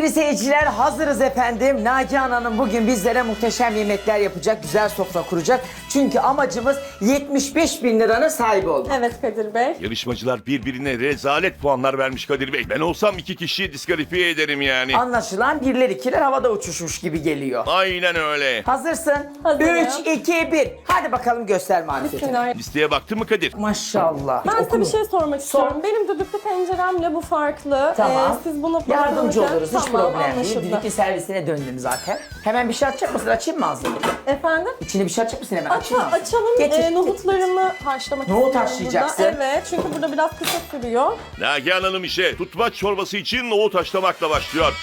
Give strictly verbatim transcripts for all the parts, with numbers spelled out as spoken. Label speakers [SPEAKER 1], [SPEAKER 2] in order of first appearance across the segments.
[SPEAKER 1] Sevgili seyirciler hazırız efendim. Nagihan Hanım bugün bizlere muhteşem yemekler yapacak, güzel sofra kuracak. Çünkü amacımız yetmiş beş bin liranın sahibi olmak.
[SPEAKER 2] Evet Kadir Bey.
[SPEAKER 3] Yarışmacılar birbirine rezalet puanlar vermiş Kadir Bey. Ben olsam iki kişiyi diskalifiye ederim yani.
[SPEAKER 1] Anlaşılan birler ikiler havada uçuşmuş gibi geliyor.
[SPEAKER 3] Aynen öyle.
[SPEAKER 1] Hazırsın.
[SPEAKER 2] Hazırım.
[SPEAKER 1] üç, iki, bir. Hadi bakalım göster marifeti.
[SPEAKER 2] Bismillah.
[SPEAKER 3] Listeye baktın mı Kadir?
[SPEAKER 1] Maşallah.
[SPEAKER 2] Ben
[SPEAKER 1] Hiç
[SPEAKER 2] size bir
[SPEAKER 1] okuma.
[SPEAKER 2] şey sormak istiyorum. Benim düdüklü tenceremle bu farklı.
[SPEAKER 1] Tamam.
[SPEAKER 2] Ee, siz bunu
[SPEAKER 1] Yardımcı
[SPEAKER 2] kullanırken-
[SPEAKER 1] oluruz. Hiç
[SPEAKER 2] Tamam,
[SPEAKER 1] problem değil.
[SPEAKER 2] anlaşıldı.
[SPEAKER 1] Düdüklü servisine döndüm zaten. Hemen bir şey atacak mısın? Açayım mı ağzını?
[SPEAKER 2] Efendim?
[SPEAKER 1] İçine bir şey atacak mısın hemen?
[SPEAKER 2] Aça,
[SPEAKER 1] Açayım mı?
[SPEAKER 2] açalım.
[SPEAKER 1] Getir,
[SPEAKER 2] Ee,
[SPEAKER 1] getir.
[SPEAKER 2] nohutlarımı haşlamak
[SPEAKER 1] Nohut
[SPEAKER 2] istiyorum
[SPEAKER 1] haşlayacaksın.
[SPEAKER 2] burada. Evet, çünkü burada biraz kısa sürüyor.
[SPEAKER 3] Nagihan Hanım işe tutmaç çorbası için nohut haşlamakla başlıyor.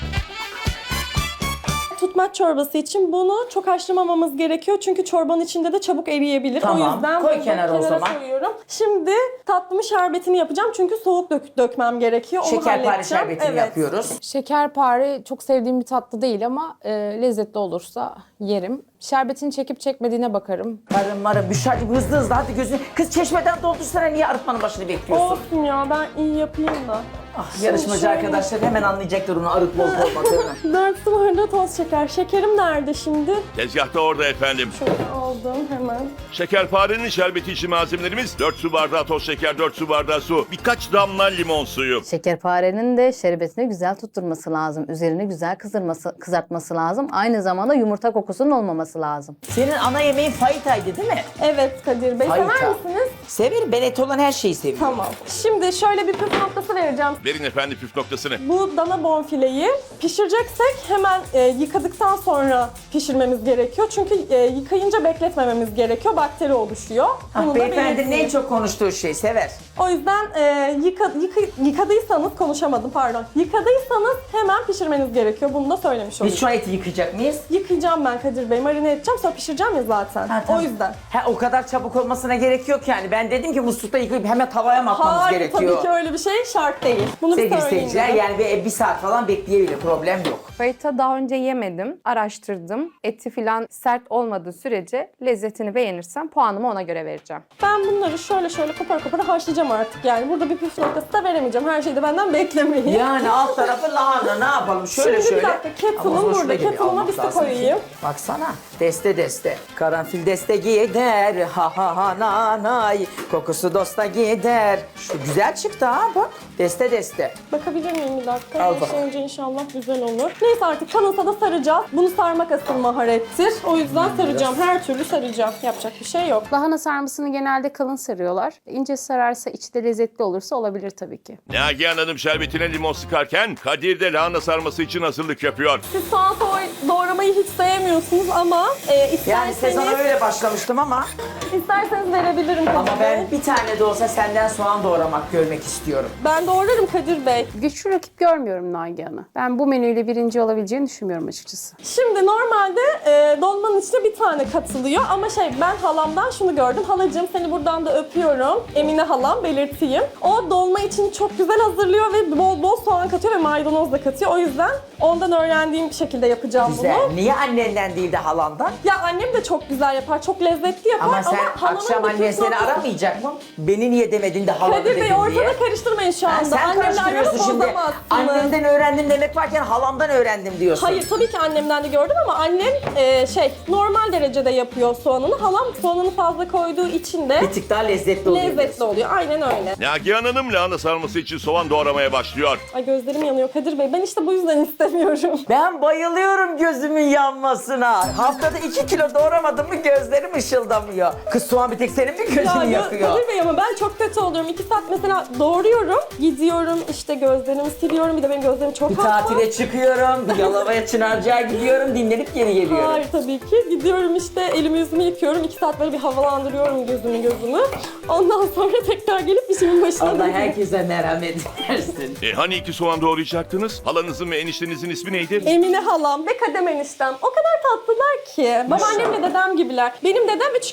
[SPEAKER 2] Tutmaç çorbası için bunu çok haşlamamamız gerekiyor. Çünkü çorbanın içinde de çabuk eriyebilir.
[SPEAKER 1] Tamam,
[SPEAKER 2] O yüzden
[SPEAKER 1] koy
[SPEAKER 2] bunu
[SPEAKER 1] kenara o zaman.
[SPEAKER 2] koyuyorum. Şimdi tatlımı şerbetini yapacağım. Çünkü soğuk dök dökmem gerekiyor. Onu
[SPEAKER 1] Şekerpare
[SPEAKER 2] halledeceğim.
[SPEAKER 1] şerbetini
[SPEAKER 2] Evet.
[SPEAKER 1] yapıyoruz.
[SPEAKER 4] Şekerpare çok sevdiğim bir tatlı değil ama e, lezzetli olursa yerim. Şerbetini çekip çekmediğine bakarım.
[SPEAKER 1] Marın marın Büşra'cığım hızlı hızlı hadi gözünü. Kız çeşmeden doldursana niye arıtmanın başını bekliyorsun?
[SPEAKER 2] Olsun ya, ben iyi yapayım da.
[SPEAKER 1] Ah, yarışmacı
[SPEAKER 2] şöyle-
[SPEAKER 1] arkadaşlar hemen anlayacaklar onu arıtma olup olmadığını.
[SPEAKER 2] Dört su bardağı toz şeker. Şekerim nerede şimdi?
[SPEAKER 3] Tezgahta orada efendim.
[SPEAKER 2] Şöyle aldım hemen.
[SPEAKER 3] Şekerparenin şerbeti için malzemelerimiz dört su bardağı toz şeker, dört su bardağı su, birkaç damla limon suyu.
[SPEAKER 5] Şekerparenin de şerbetini güzel tutturması lazım. Üzerini güzel kızarması, kızartması lazım. Aynı zamanda yumurta kokusunun olmaması lazım.
[SPEAKER 1] Senin ana yemeğin fayitaydı değil mi?
[SPEAKER 2] Evet Kadir Bey,
[SPEAKER 1] Fayita.
[SPEAKER 2] sever misiniz?
[SPEAKER 1] Severim ben et olan her şeyi seviyorum.
[SPEAKER 2] Tamam. Şimdi şöyle bir püf noktası vereceğim.
[SPEAKER 3] Verin efendim püf noktasını.
[SPEAKER 2] Bu dana bonfileyi pişireceksek hemen e, yıkadıktan sonra pişirmemiz gerekiyor. Çünkü e, yıkayınca bekletmememiz gerekiyor. Bakteri oluşuyor.
[SPEAKER 1] Ah,
[SPEAKER 2] Bunu da
[SPEAKER 1] beyefendinin
[SPEAKER 2] belirteyim.
[SPEAKER 1] en çok konuştuğu şey sever.
[SPEAKER 2] O yüzden e, yıka, yıka, yıkadıysanız, konuşamadım pardon. Yıkadıysanız hemen pişirmeniz gerekiyor. Bunu da söylemiş olayım.
[SPEAKER 1] Biz şu an eti yıkayacak mıyız?
[SPEAKER 2] Yıkayacağım ben Kadir Bey, marine edeceğim, sonra pişireceğim ya zaten.
[SPEAKER 1] Ha, tamam.
[SPEAKER 2] O yüzden.
[SPEAKER 1] Ha, o kadar çabuk olmasına gerek yok yani. Ben dedim ki muslukta yıkayıp hemen tavaya mı atmamız
[SPEAKER 2] Hayır,
[SPEAKER 1] gerekiyor?
[SPEAKER 2] tabii ki öyle bir şey şart değil. Bunu bir
[SPEAKER 1] Sevgili
[SPEAKER 2] söyleyeyim
[SPEAKER 1] seyirciler
[SPEAKER 2] dedim.
[SPEAKER 1] yani bir, bir saat falan bekleyebilir problem yok.
[SPEAKER 4] Fayita daha önce yemedim, araştırdım. Eti filan sert olmadığı sürece lezzetini beğenirsem puanımı ona göre vereceğim.
[SPEAKER 2] Ben bunları şöyle şöyle kopar kopar haşlayacağım artık yani. Burada bir püf noktası da veremeyeceğim. Her şeyi de benden beklemeyin.
[SPEAKER 1] Yani alt tarafı lahana ne yapalım şöyle
[SPEAKER 2] Şimdi bir
[SPEAKER 1] şöyle.
[SPEAKER 2] dakika, kettle'ım
[SPEAKER 1] Ama o zaman
[SPEAKER 2] burada.
[SPEAKER 1] şuraya bir
[SPEAKER 2] Kettle'ıma
[SPEAKER 1] almak
[SPEAKER 2] bir su
[SPEAKER 1] lazım ki.
[SPEAKER 2] koyayım.
[SPEAKER 1] Baksana deste deste. Karanfil deste gider ha ha ha na nay. Kokusu dosta gider. Şu güzel çıktı ha bak. Deste deste.
[SPEAKER 2] Bakabilir miyim bir dakika?
[SPEAKER 1] Al
[SPEAKER 2] Her
[SPEAKER 1] bak.
[SPEAKER 2] şey önce inşallah güzel olur. Neyse artık kanasa da saracağız. Bunu sarmak asıl maharettir. O yüzden saracağım. Her türlü saracağım. Yapacak bir şey yok.
[SPEAKER 4] Lahana sarmasını genelde kalın sarıyorlar. İnce sararsa içi de lezzetli olursa olabilir tabii ki.
[SPEAKER 3] Nagihan Hanım şerbetine limon sıkarken Kadir de lahana sarması için hazırlık yapıyor.
[SPEAKER 2] Siz soğan soğ- doğramayı hiç sevmiyorsunuz ama e,
[SPEAKER 1] Yani
[SPEAKER 2] isterseniz,
[SPEAKER 1] sezona öyle başlamıştım ama
[SPEAKER 2] isterseniz verebilirim Kadir
[SPEAKER 1] ama
[SPEAKER 2] Bey.
[SPEAKER 1] ben bir tane de olsa senden soğan doğramak görmek istiyorum.
[SPEAKER 2] Ben doğrarım Kadir Bey.
[SPEAKER 4] Güçlü rakip görmüyorum Nagihan'ı. Ben bu menüyle birinci olabileceğini düşünmüyorum açıkçası.
[SPEAKER 2] Şimdi normalde e, dolmanın içine bir tane katılıyor ama şey ben halamdan şunu gördüm. Halacığım seni buradan da öpüyorum. Emine halam belirteyim. O dolma için çok güzel hazırlıyor ve bol bol soğan katıyor ve maydanoz da katıyor. O yüzden ondan öğrendiğim bir şekilde yapacağım
[SPEAKER 1] Güzel.
[SPEAKER 2] bunu.
[SPEAKER 1] Niye annenden değil de halandan?
[SPEAKER 2] Ya annem de çok güzel yapar, çok lezzetli yapar
[SPEAKER 1] Ama
[SPEAKER 2] ama,
[SPEAKER 1] sen
[SPEAKER 2] halamın
[SPEAKER 1] akşam
[SPEAKER 2] bir
[SPEAKER 1] annen
[SPEAKER 2] püf
[SPEAKER 1] seni
[SPEAKER 2] noktası-
[SPEAKER 1] aramayacak mı? Beni niye demedin de halanı
[SPEAKER 2] Kadir
[SPEAKER 1] dedin
[SPEAKER 2] Bey
[SPEAKER 1] diye.
[SPEAKER 2] ortada karıştırmayın şu
[SPEAKER 1] Ha,
[SPEAKER 2] anda.
[SPEAKER 1] sen
[SPEAKER 2] Annemle aramı
[SPEAKER 1] karıştırıyorsun şimdi.
[SPEAKER 2] bozamazsınız.
[SPEAKER 1] Annemden öğrendim demek varken halamdan öğrendim diyorsun.
[SPEAKER 2] Hayır tabii ki annemden de gördüm ama annem e, şey normal derecede yapıyor soğanını. Halam soğanını fazla koyduğu için de
[SPEAKER 1] Bir tık daha lezzetli oluyor.
[SPEAKER 2] lezzetli oluyor. Aynen öyle.
[SPEAKER 3] Nagihan Hanım lahana sarması için soğan doğramaya başlıyor.
[SPEAKER 2] Ay gözlerim yanıyor Kadir Bey. Ben işte bu yüzden istemiyorum.
[SPEAKER 1] Ben bayılıyorum gözümün yanmasına. Haftada iki kilo doğramadım mı gözlerim ışıldamıyor. Kız soğan bir tek senin mi gözünü
[SPEAKER 2] Ya gö-
[SPEAKER 1] yakıyor?
[SPEAKER 2] Kadir Bey ama ben çok kötü oluyorum. İki saat mesela doğruyorum, gidiyorum işte gözlerimi siliyorum. Bir de benim gözlerim çok
[SPEAKER 1] Bir
[SPEAKER 2] hassas.
[SPEAKER 1] tatile çıkıyorum, bir Yalova'ya Çınarcık'a gidiyorum, dinlenip geri geliyorum.
[SPEAKER 2] Hayır tabii ki. Gidiyorum işte elimi yüzümü yıkıyorum. İki saat böyle bir havalandırıyorum gözümü gözümü. Ondan sonra tekrar gelip işimin başına
[SPEAKER 1] Allah
[SPEAKER 2] dönüyorum.
[SPEAKER 1] herkese merhamet versin.
[SPEAKER 3] E hani iki soğan doğrayacaktınız? Halanızın ve eniştenizin ismi neydi?
[SPEAKER 2] Emine halam ve Kadem eniştem o kadar tatlılar ki. Babaannemle dedem gibiler. Benim dedem üç kere evlenmiş.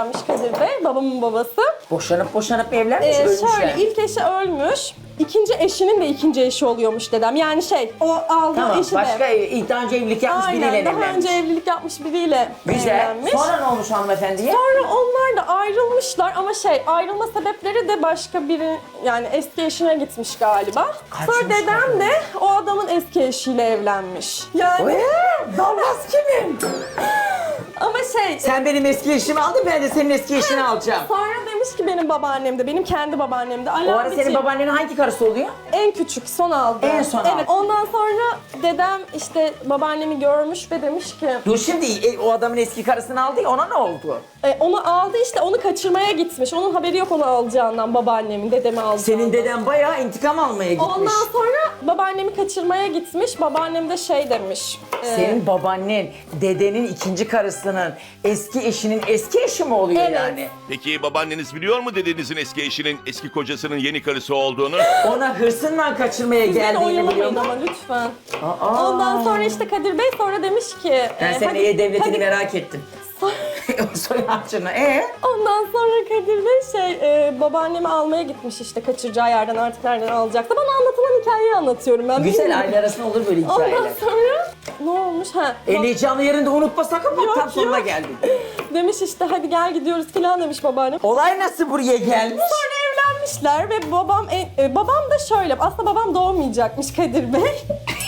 [SPEAKER 2] evlenmiş Kadir Bey, babamın babası.
[SPEAKER 1] Boşanıp boşanıp evlenmiş,
[SPEAKER 2] Ee,
[SPEAKER 1] ölmüşler.
[SPEAKER 2] şöyle, ilk eşi ölmüş. İkinci eşinin de ikinci eşi oluyormuş dedem. Yani şey, o aldığı
[SPEAKER 1] Tamam,
[SPEAKER 2] eşi
[SPEAKER 1] başka
[SPEAKER 2] de.
[SPEAKER 1] ev, daha önce evlilik yapmış biriyle
[SPEAKER 2] Aynen, daha
[SPEAKER 1] evlenmiş.
[SPEAKER 2] önce evlilik yapmış biriyle
[SPEAKER 1] Güzel.
[SPEAKER 2] evlenmiş.
[SPEAKER 1] Sonra ne olmuş hanımefendiye?
[SPEAKER 2] Sonra onlar da ayrılmışlar ama şey, ayrılma sebepleri de başka biri, yani eski eşine gitmiş galiba. Sonra
[SPEAKER 1] Kaçmışlar.
[SPEAKER 2] dedem de o adamın eski eşiyle evlenmiş. Yani
[SPEAKER 1] Ee, Dallas kimin?
[SPEAKER 2] ama şey,
[SPEAKER 1] Sen benim eski eşimi aldın, ben de senin eski eşini alacağım.
[SPEAKER 2] sonra demiş ki benim babaannem de, benim kendi babaannem de.
[SPEAKER 1] O ara
[SPEAKER 2] Alametciğim,
[SPEAKER 1] senin babaannenin hangi karısı oluyor?
[SPEAKER 2] en küçük, son aldı.
[SPEAKER 1] En son aldı.
[SPEAKER 2] Evet, ondan sonra dedem işte babaannemi görmüş ve demiş ki,
[SPEAKER 1] Dur şimdi e, o adamın eski karısını aldı ya, ona ne oldu?
[SPEAKER 2] e, onu aldı işte, onu kaçırmaya gitmiş. Onun haberi yok onu alacağından, babaannemin, dedemi alacağından.
[SPEAKER 1] Senin deden bayağı intikam almaya gitmiş.
[SPEAKER 2] Ondan sonra babaannemi kaçırmaya gitmiş. Babaannem de şey demiş. e,
[SPEAKER 1] Senin babaannen dedenin ikinci karısının eski eşinin eski eşi mi oluyor
[SPEAKER 2] Evet.
[SPEAKER 1] yani?
[SPEAKER 3] Peki babaanneniz biliyor mu dedenizin eski eşinin eski kocasının yeni karısı olduğunu?
[SPEAKER 1] Ona hırsınla kaçırmaya
[SPEAKER 2] Güzel
[SPEAKER 1] geldiğini biliyor
[SPEAKER 2] oyalamayın
[SPEAKER 1] mu?
[SPEAKER 2] ama lütfen.
[SPEAKER 1] Aa.
[SPEAKER 2] Ondan sonra işte Kadir Bey sonra demiş ki...
[SPEAKER 1] Ben
[SPEAKER 2] e,
[SPEAKER 1] senin
[SPEAKER 2] hadi-
[SPEAKER 1] iyi devletini
[SPEAKER 2] hadi-
[SPEAKER 1] merak ettim. Soy harcını. Ee?
[SPEAKER 2] Ondan sonra Kadir Bey şey, e, babaannemi almaya gitmiş işte kaçıracağı yerden, artık nereden alacaktı. Bana anlatılan hikayeyi anlatıyorum ben.
[SPEAKER 1] Güzel,
[SPEAKER 2] bilmiyorum.
[SPEAKER 1] aile arasında olur böyle hikayeler.
[SPEAKER 2] Ondan sonra ne olmuş? Ha,
[SPEAKER 1] En heyecanlı yerinde unutma sakın, bak
[SPEAKER 2] Yok,
[SPEAKER 1] tam sonuna
[SPEAKER 2] yok.
[SPEAKER 1] geldin.
[SPEAKER 2] demiş işte hadi gel gidiyoruz falan demiş babaannem.
[SPEAKER 1] Olay nasıl buraya gelmiş?
[SPEAKER 2] Sonra evlenmişler ve babam e, e, babam da şöyle, aslında babam doğmayacakmış Kadir Bey.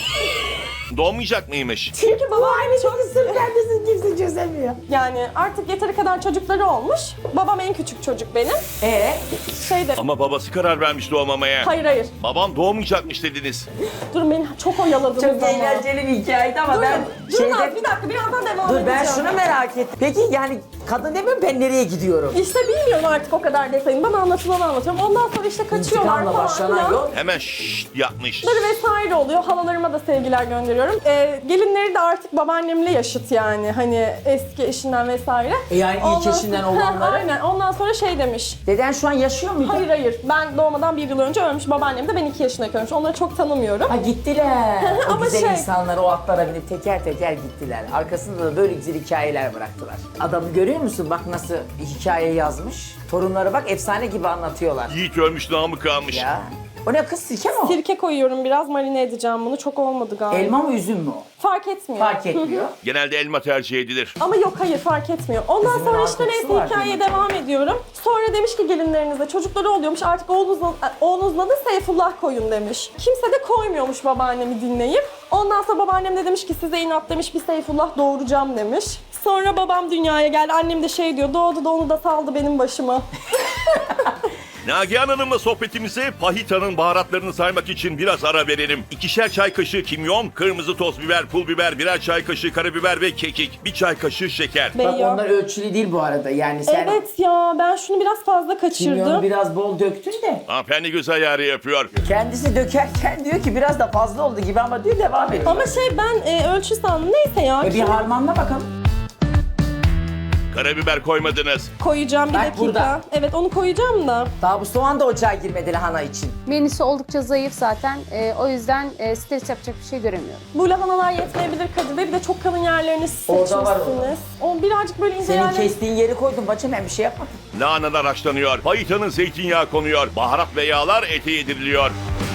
[SPEAKER 3] Doğmayacak mıymış?
[SPEAKER 2] Çünkü babaannem çok
[SPEAKER 1] Sır kendisi kimse çözemiyor.
[SPEAKER 2] yani artık yeteri kadar çocukları olmuş. Babam en küçük çocuk benim.
[SPEAKER 1] Ee?
[SPEAKER 2] Şey de
[SPEAKER 3] Ama babası karar vermiş doğmamaya.
[SPEAKER 2] hayır hayır.
[SPEAKER 3] Babam doğmayacakmış dediniz.
[SPEAKER 2] Durun beni çok oyaladınız
[SPEAKER 1] Çok
[SPEAKER 2] ama.
[SPEAKER 1] eğlenceli bir hikayeydi ama
[SPEAKER 2] Durun,
[SPEAKER 1] ben
[SPEAKER 2] durun
[SPEAKER 1] şeyde...
[SPEAKER 2] az, bir dakika birazdan devam
[SPEAKER 1] Dur
[SPEAKER 2] edeceğim.
[SPEAKER 1] ben şunu merak ettim. Peki yani kadın demiyor mu, ben nereye gidiyorum?
[SPEAKER 2] İşte bilmiyorum artık o kadar detayını. Bana anlatılanı anlatıyorum. Ondan sonra işte kaçıyorlar
[SPEAKER 1] İntikamla
[SPEAKER 2] falan
[SPEAKER 1] başlanan
[SPEAKER 2] filan.
[SPEAKER 1] yol.
[SPEAKER 3] Hemen şşşt yapmış.
[SPEAKER 2] Bunları vesaire oluyor. Halalarıma da sevgiler gönderiyorum. Ee, gelinleri de artık babaannemle yaşıt yani. Hani eski eşinden vesaire.
[SPEAKER 1] E yani ilk
[SPEAKER 2] Ondan-
[SPEAKER 1] eşinden
[SPEAKER 2] Ha,
[SPEAKER 1] olanları.
[SPEAKER 2] aynen. Ondan sonra şey demiş.
[SPEAKER 1] Deden şu an yaşıyor muydu?
[SPEAKER 2] Hayır hayır. Ben doğmadan bir yıl önce ölmüş. Babaannem de ben iki yaşındayken ölmüş. Onları çok tanımıyorum.
[SPEAKER 1] Ha gittiler. O
[SPEAKER 2] Ama
[SPEAKER 1] güzel
[SPEAKER 2] şey-
[SPEAKER 1] insanlar o atlara binip teker teker gittiler. Arkasında da böyle güzel hikayeler bıraktılar. Adamı görüyor musun? Bak nasıl hikaye yazmış. Torunları bak efsane gibi anlatıyorlar.
[SPEAKER 3] Yiğit ölmüş namı kalmış.
[SPEAKER 1] Ya. O ne kız, sirke mi o?
[SPEAKER 2] Sirke koyuyorum biraz, marine edeceğim bunu. Çok olmadı galiba.
[SPEAKER 1] Elma mı üzüm mü o?
[SPEAKER 2] Fark etmiyor.
[SPEAKER 1] Fark etmiyor.
[SPEAKER 3] Genelde elma tercih edilir.
[SPEAKER 2] Ama yok hayır fark etmiyor. Ondan
[SPEAKER 1] Üzümün
[SPEAKER 2] sonra işte
[SPEAKER 1] arkası
[SPEAKER 2] neyse
[SPEAKER 1] var
[SPEAKER 2] hikayeye
[SPEAKER 1] demek.
[SPEAKER 2] devam ediyorum. Sonra demiş ki gelinlerinize çocukları oluyormuş artık oğlunuzla, oğlunuzla da Seyfullah koyun demiş. Kimse de koymuyormuş babaannemi dinleyip. Ondan sonra babaannem de demiş ki size inat demiş, bir Seyfullah doğuracağım demiş. Sonra babam dünyaya geldi. Annem de şey diyor, doğdu da onu da saldı benim başıma.
[SPEAKER 3] Nagihan Hanım'la sohbetimize Pahita'nın baharatlarını saymak için biraz ara verelim. İkişer çay kaşığı kimyon, kırmızı toz biber, pul biber, birer çay kaşığı karabiber ve kekik, bir çay kaşığı şeker.
[SPEAKER 1] Bak
[SPEAKER 2] Beyya.
[SPEAKER 1] onlar ölçülü değil bu arada. Yani sen
[SPEAKER 2] Evet ya ben şunu biraz fazla kaçırdım.
[SPEAKER 1] kimyonu biraz bol döktün de.
[SPEAKER 3] Hanımefendi göz ayarı yapıyor.
[SPEAKER 1] Kendisi dökerken diyor ki biraz da fazla oldu gibi ama diyor devam ediyor.
[SPEAKER 2] Ama şey ben e, ölçü sandım. Neyse ya.
[SPEAKER 1] E bir
[SPEAKER 2] kim-
[SPEAKER 1] harmanla bakalım.
[SPEAKER 3] Karabiber koymadınız.
[SPEAKER 2] Koyacağım bir
[SPEAKER 1] Bak
[SPEAKER 2] dakika.
[SPEAKER 1] burada.
[SPEAKER 2] Evet onu koyacağım da.
[SPEAKER 1] Daha bu soğan da ocağa girmedi lahana için.
[SPEAKER 6] Menüsü oldukça zayıf zaten. Ee, o yüzden e, stres yapacak bir şey göremiyorum.
[SPEAKER 2] Bu lahanalar yetmeyebilir Kadir Bey. Bir de çok kalın yerlerini siz
[SPEAKER 1] Orada
[SPEAKER 2] seçmişsiniz.
[SPEAKER 1] var orada.
[SPEAKER 2] O birazcık böyle ince
[SPEAKER 1] Senin
[SPEAKER 2] yerleri...
[SPEAKER 1] kestiğin yeri koydum bacım, ben bir şey yapmadım.
[SPEAKER 3] Lahanalar haşlanıyor. Pahita'nın zeytinyağı konuyor. Baharat ve yağlar ete yediriliyor.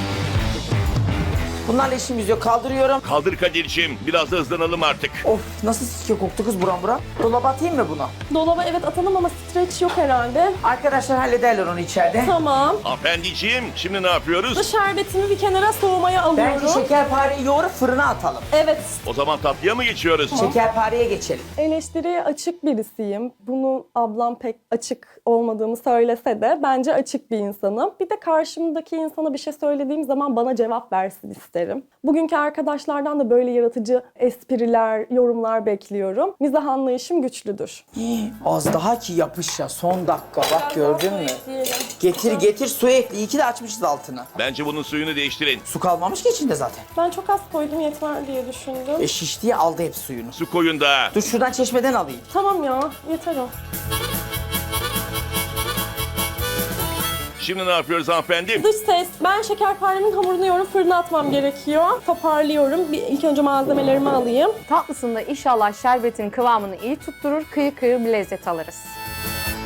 [SPEAKER 1] Bunlarla işimiz yok, kaldırıyorum.
[SPEAKER 3] Kaldır Kadir'ciğim. Biraz da hızlanalım artık.
[SPEAKER 1] Of nasıl sirke koktu kız buram buram. Dolaba atayım mı bunu?
[SPEAKER 2] Dolaba evet atalım ama streç yok herhalde.
[SPEAKER 1] Arkadaşlar hallederler onu içeride.
[SPEAKER 2] Tamam.
[SPEAKER 3] Hanımefendiciğim şimdi ne yapıyoruz?
[SPEAKER 2] Bu şerbetimi bir kenara soğumaya alıyorum.
[SPEAKER 1] Bence şekerpareyi yoğurup fırına atalım.
[SPEAKER 2] Evet.
[SPEAKER 3] O zaman tatlıya mı geçiyoruz?
[SPEAKER 1] Şekerpareye geçelim.
[SPEAKER 2] Eleştiriye açık birisiyim. Bunu ablam pek açık olmadığımı söylese de bence açık bir insanım. Bir de karşımdaki insana bir şey söylediğim zaman bana cevap versin isterim. Bugünkü arkadaşlardan da böyle yaratıcı espriler, yorumlar bekliyorum. Mizah anlayışım güçlüdür.
[SPEAKER 1] Az daha ki yapış ya, son dakika bak gördün mü? Getir getir su ekle, iyi ki de açmışız altını.
[SPEAKER 3] Bence bunun suyunu değiştirin.
[SPEAKER 1] Su kalmamış ki içinde zaten.
[SPEAKER 2] Ben çok az koydum yeter diye düşündüm.
[SPEAKER 1] E şiş diye aldı hep suyunu.
[SPEAKER 3] Su koyun da.
[SPEAKER 1] Dur şuradan çeşmeden alayım.
[SPEAKER 2] Tamam ya yeter o.
[SPEAKER 3] Şimdi ne yapıyoruz hanımefendi?
[SPEAKER 2] Dış ses. Ben şekerparemin hamurunu yoğurup fırına atmam gerekiyor. Toparlıyorum. Bir, ilk önce malzemelerimi alayım.
[SPEAKER 4] Tatlısında inşallah şerbetin kıvamını iyi tutturur, kıyır kıyır bir lezzet alırız.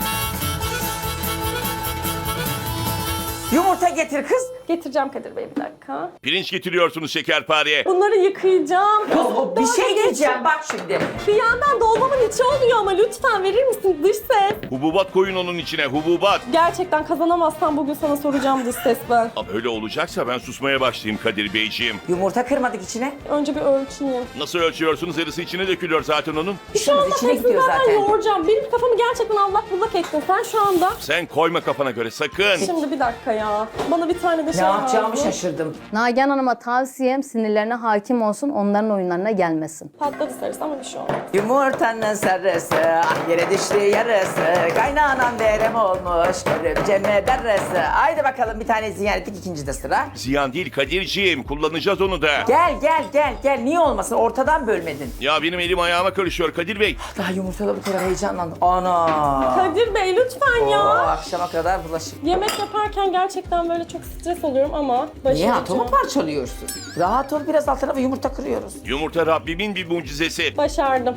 [SPEAKER 1] Yumurta getir kız.
[SPEAKER 2] Getireceğim Kadir Bey bir dakika.
[SPEAKER 3] Pirinç getiriyorsunuz şekerpareye.
[SPEAKER 2] Bunları yıkayacağım.
[SPEAKER 1] Kız o bir
[SPEAKER 2] Daha
[SPEAKER 1] şey
[SPEAKER 2] geç-
[SPEAKER 1] diyeceğim bak şimdi.
[SPEAKER 2] Bir yandan dolmamın içi oluyor ama lütfen verir misin dış ses?
[SPEAKER 3] Hububat koyun onun içine, hububat.
[SPEAKER 2] Gerçekten kazanamazsam bugün sana soracağım dış ses ben.
[SPEAKER 3] Ama öyle olacaksa ben susmaya başlayayım Kadir Beyciğim.
[SPEAKER 1] Yumurta kırmadık içine.
[SPEAKER 2] Önce bir ölçeyim.
[SPEAKER 3] Nasıl ölçüyorsunuz? Yarısı içine dökülüyor zaten onun.
[SPEAKER 2] Şu
[SPEAKER 1] İşimiz
[SPEAKER 2] anda
[SPEAKER 1] içine
[SPEAKER 2] hepsini
[SPEAKER 1] gidiyor
[SPEAKER 2] zaten
[SPEAKER 1] zaten.
[SPEAKER 2] yoğuracağım. Benim kafamı gerçekten allak bullak ettin sen şu anda.
[SPEAKER 3] Sen koyma kafana göre sakın.
[SPEAKER 2] Şimdi bir dakika ya. Bana bir tane de
[SPEAKER 1] Ne
[SPEAKER 2] şey
[SPEAKER 1] yapacağımı
[SPEAKER 2] lazım.
[SPEAKER 1] şaşırdım.
[SPEAKER 5] Nagihan Hanım'a tavsiyem sinirlerine hakim olsun, onların oyunlarına gelmesin.
[SPEAKER 2] Patladı sarısı ama bir şey olmaz.
[SPEAKER 1] Yumurtanın sarısı, ah yere düştü yarısı. Kaynanan derem olmuş, görümceme darısı. Haydi bakalım bir tane ziyan ettik, ikinci de sıra.
[SPEAKER 3] Ziyan değil Kadir'ciğim, kullanacağız onu da.
[SPEAKER 1] Gel gel gel gel, niye olmasın, ortadan bölmedin.
[SPEAKER 3] Ya benim elim ayağıma karışıyor Kadir Bey.
[SPEAKER 1] Daha yumurtada bu kadar heyecanlandım. Ana.
[SPEAKER 2] Kadir Bey lütfen
[SPEAKER 1] Oo,
[SPEAKER 2] ya.
[SPEAKER 1] akşama kadar bulaşık.
[SPEAKER 2] Yemek yaparken gerçekten böyle çok stres oluyorum ama
[SPEAKER 1] Niye
[SPEAKER 2] başaracağım.
[SPEAKER 1] atomu parçalıyorsun? Rahat ol, biraz alt tarafa yumurta kırıyoruz.
[SPEAKER 3] Yumurta Rabbimin bir mucizesi.
[SPEAKER 2] Başardım.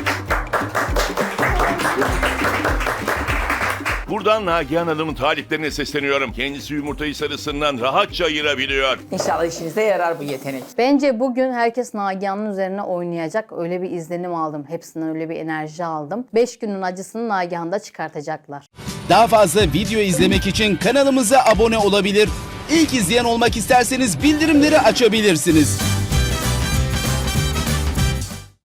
[SPEAKER 3] Buradan Nagihan Hanım'ın taliplerine sesleniyorum. Kendisi yumurtayı sarısından rahatça ayırabiliyor.
[SPEAKER 1] İnşallah işinize yarar bu yetenek.
[SPEAKER 5] Bence bugün herkes Nagihan'ın üzerine oynayacak. Öyle bir izlenim aldım. Hepsinden öyle bir enerji aldım. Beş günün acısını Nagihan'da çıkartacaklar.
[SPEAKER 7] Daha fazla video izlemek için kanalımıza abone olabilir. İlk izleyen olmak isterseniz bildirimleri açabilirsiniz.